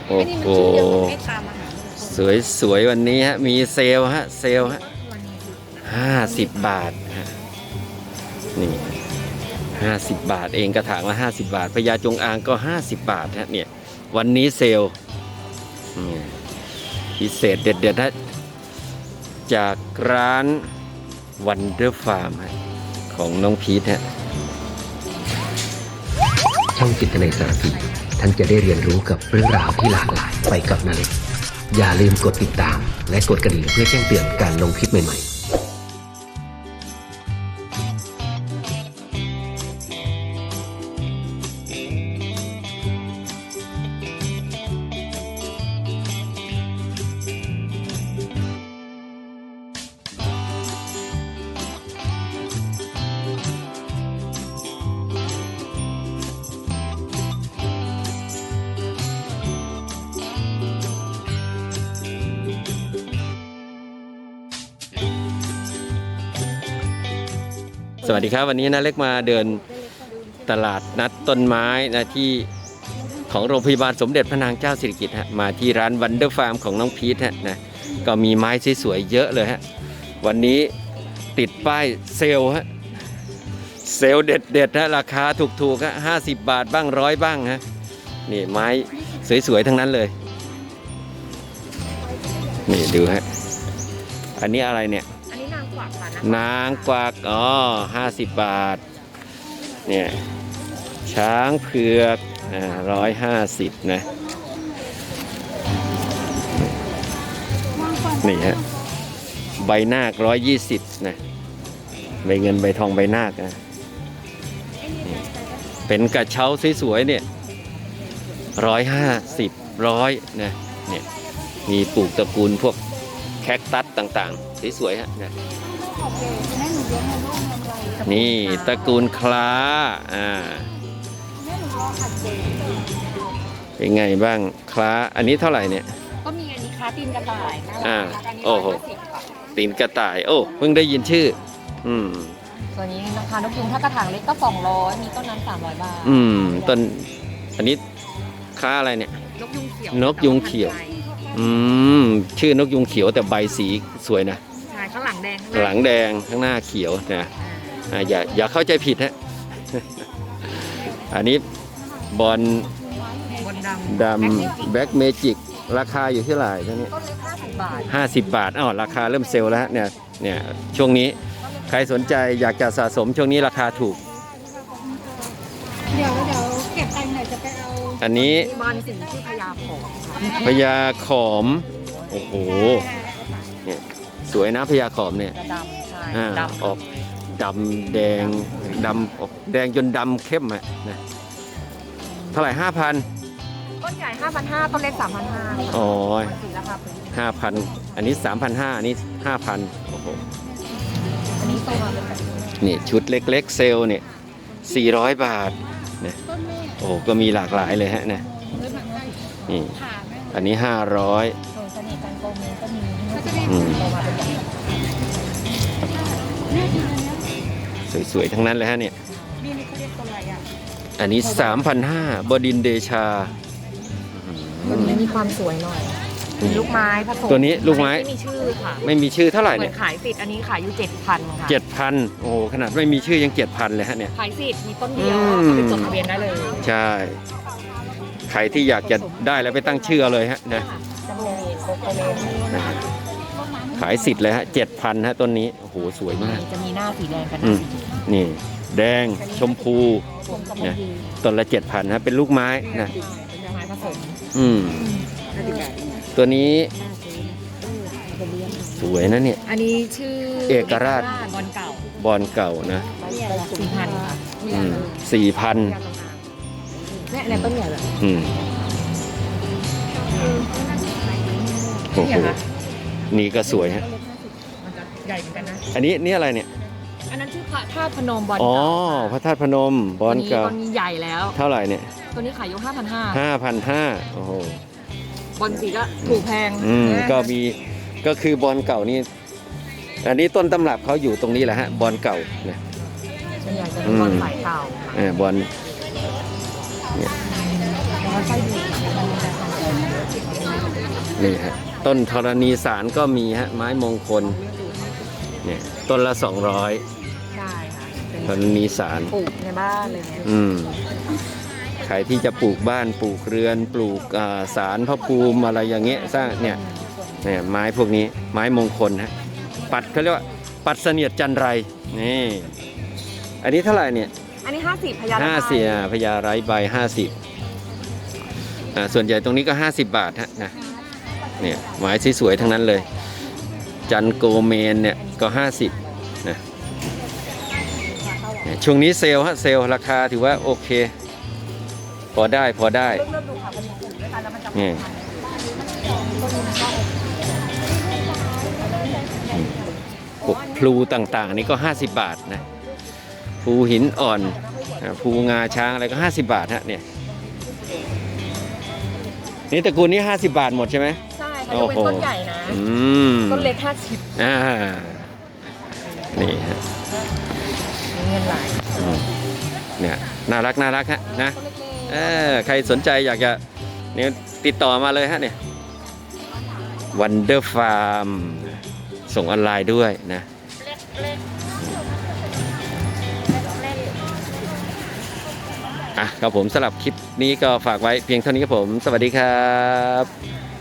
โอ้โหสวยวันนี้ฮะมีเซลล์ฮะเซลล์ฮะ50 บาทฮะนี่50 บาทเองกระถางละ50 บาทพญาจงอางก็50 บาทฮะเนี่ยวันนี้เซลล์พิเศษเด็ดๆฮะจากร้านวันเดอร์ฟาร์มของน้องพีทฮะช่องจิตนาสารพีท่านจะได้เรียนรู้กับเรื่องราวที่หลากหลายไปกับนาเล็กอย่าลืมกดติดตามและกดกระดิ่งเพื่อแจ้งเตือนการลงคลิปใหม่ๆสวัสดีครับวันนี้นะเล็กมาเดินตลาดนัดต้นไม้นะที่ของโรงพยาบาลสมเด็จพระนางเจ้าสิริกิติ์ฮะมาที่ร้านวันเดอร์ฟาร์มของน้องพีทฮะนะก็มีไม้สวยๆเยอะเลยฮะวันนี้ติดป้ายเซลล์ฮะเซลล์เด็ดๆฮะราคาถูกๆฮะ50 บาทบ้าง100บ้างฮะนี่ไม้สวยๆทั้งนั้นเลยนี่ดูฮะอันนี้อะไรเนี่ยนางกวักอ๋อ50 บาทเนี่ยช้างเผือก150นะนี่ฮะใบนาค120นะใบเงินใบทองใบนาคนะเป็นกระเช้าสวยๆเนี่ย150 100นะเนี่ยมีปลูกตระกูลพวกแคคตัสต่างๆสวยๆฮะเนี่ยนี่ตระกูลคล้าเป็นไงบ้างคล้าอันนี้เท่าไหร่เนี่ยก็มีอันนี้คล้าตีนกระต่ายโอ้โหตีนกระต่ายโอ้เพิ่งได้ยินชื่อส่วนนี้ราคานกยุงถ้ากระถางเล็กก็200มีต้นนั้น300 บาทต้นอันนี้คล้าอะไรเนี่ยนกยุงเขียวนกยุงเขียวชื่อนกยุงเขียวแต่ใบสีสวยนะข้างหลังแดงหลังแดงข้างหน้าเขียวนะอย่าเข้าใจผิดฮะอันนี้บอลดำแบ็กเมจิกราคาอยู่ที่เท่าไหร่ท่านนี้ต้นเล็ก50 บาท 50 บาทราคาเริ่มเซลล์แล้วเนี่ยช่วงนี้ใครสนใจอยากจะสะสมช่วงนี้ราคาถูกเดี๋ยวเก็บไปหน่อยจะไปเอาอันนี้บอลสีชื่อพญาขอมพญาขอมโอ้โหเนี่ยสวยนะพญาขอมเนี่ยดำออกดำแดงดำออกแดงจนดำเข้มนะเท่าไหร่ 5,000 ต้นใหญ่ 5,500ต้นเล็ก 3,500 อ๋อสีราคา 5,000อันนี้ 3,500อันนี้ 5,000โอ้โหอันนี้โตมาเป็นแบบนี่ชุดเล็กๆเซลเนี่ย400 บาทนะโอ้ก็มีหลากหลายเลยฮะนะนี่อันนี้500สวยๆทั้งนั้นเลยฮะเนี่ยอันนี้ 3,500 บดินทร์เดชาตัวนี้มีความสวยหน่อยลูกไม้ผสมตัวนี้ลูกไม้ไม่มีชื่อค่ะไม่มีชื่อเท่าไหร่เนี่ยขายสิทธิ์อันนี้ขายอยู่ 7,000 ค่ะ 7,000โอ้ขนาดไม่มีชื่อยัง 7,000เลยฮะเนี่ยขายสิทธิ์มีต้นเดียวเอาไปจดทะเบียนได้เลยใช่ใครที่อยากจะได้แล้วไปตั้งชื่อเลยฮะนะขายสิทธิ์เลยฮะ 7,000 ฮะต้นนี้โอ้โหสวยมากจะมีหน้าสีแดงกันนี่แดงชมพูนะต้นละ 7,000 ฮะเป็นลูกไม้นะเป็นไม้ผสมตัวนี้สวยนะเนี่ยอันนี้ชื่อเอกราชบอลเก่านะ 4,000 ค่ะ 4,000 เนี่ยต้นใหญ่แบบโอ้โหนี่ก็สวยฮะใหญ่เหมือนกันนะอันนี้นี่อะไรเนี่ยอันนั้นชื่อพระธาตุพนมบอลเก่าพระธาตุพนมบอลเก่าตัวนี้ใหญ่แล้วเท่าไหร่เนี่ยตัวนี้ขายอยู่ 5,500โอ้โหบอลสีก็ถูกแพงก็คือบอลเก่านี่อันนี้ต้นตำรับเขาอยู่ตรงนี้แหละฮะบอลเก่านะส่วนใหญ่จะเป็นบอลสายเก่าบอลนี่ฮะต้นธรณีสารก็มีฮะไม้มงคลเนี่ยต้นละ200 ใช่ค่ะเป็นธรณีสารปลูกในบ้านเลยเนี่ยใครที่จะปลูกบ้านปลูกเรือนปลูกสารพระภูมิอะไรอย่างเงี้ยสร้างเนี่ยไม้พวกนี้ไม้มงคลฮะปัดเขาเรียกว่าปัดเสนียดจันไรนี่อันนี้เท่าไหร่เนี่ยอันนี้50พญา 50พญาไร้ใบ50ส่วนใหญ่ตรงนี้ก็50 บาทฮะนะเนี่ยไม้สวยๆทั้งนั้นเลยจันโกเมนเนี่ยก็50นะช่วงนี้เซลล์ฮะเซลล์ราคาถือว่าโอเคพอได้เริ่มดูค่ะมันมีกลุ่มด้วยกันแล้วมันจะนี่พวกพลูต่างๆนี่ก็50 บาทนะพลูหินอ่อนพลูงาช้างอะไรก็50 บาทฮะเนี่ยนี่ตระกูลนี้50 บาทหมดใช่ไหมใช่ค่ะจะเป็นต้นใหญ่นะต้นเล็ก50 นี่ฮะเงินหลายเนี่ยน่ารักฮะนะใครสนใจอยากจะเนี่ยติดต่อมาเลยฮะเนี่ย Wonder Farm ส่งออนไลน์ด้วยนะครับผมสำหรับคลิปนี้ก็ฝากไว้เพียงเท่านี้ครับผมสวัสดีครับ